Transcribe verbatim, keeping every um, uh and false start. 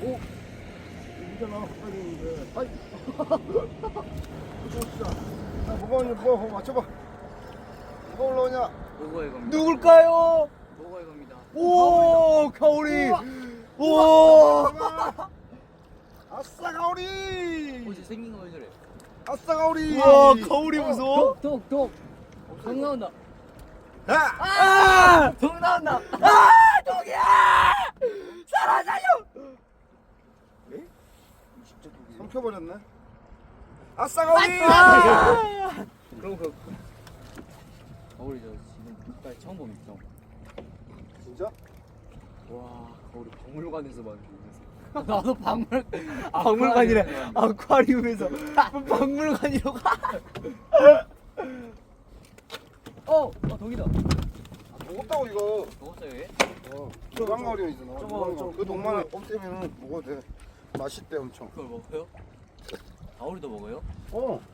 오! 이잖아, 가까이 있는데. 아이! 진짜. 자, 뭐가 오냐, 뭐가, 뭐 맞춰봐. 뭐가 올라오냐? 보고 이겁니다. 누굴까요? 보고 이겁니다. 오, 가오리. 오. 아싸, 가오리! 어제 생긴 거 왜 저래? 아싸, 가오리! 우와, 가오리 무서워. 독, 독, 독. 독 나온다. 아! 아! 독 나온다. 아, 독이야! 살아 살려. 삼켜버렸네. 아싸, 가오리! 아! 그럼 그 거울이 저 지금 빛깔 처음 봅니다. 진짜? 와, 가오리 박물관에서 만든. 나도 박물 박물관이래. 아쿠아리움에서 박물관이라고. 어, 어 독이다. 무겁다고, 이거. 먹었어요 얘? 어, 무광가오리 있잖아. 저거, 무광가오리. 저거, 그 동만에 없애면은 먹어도 돼. 맛있대, 엄청. 그걸 먹어요? 가오리도 먹어요? 어.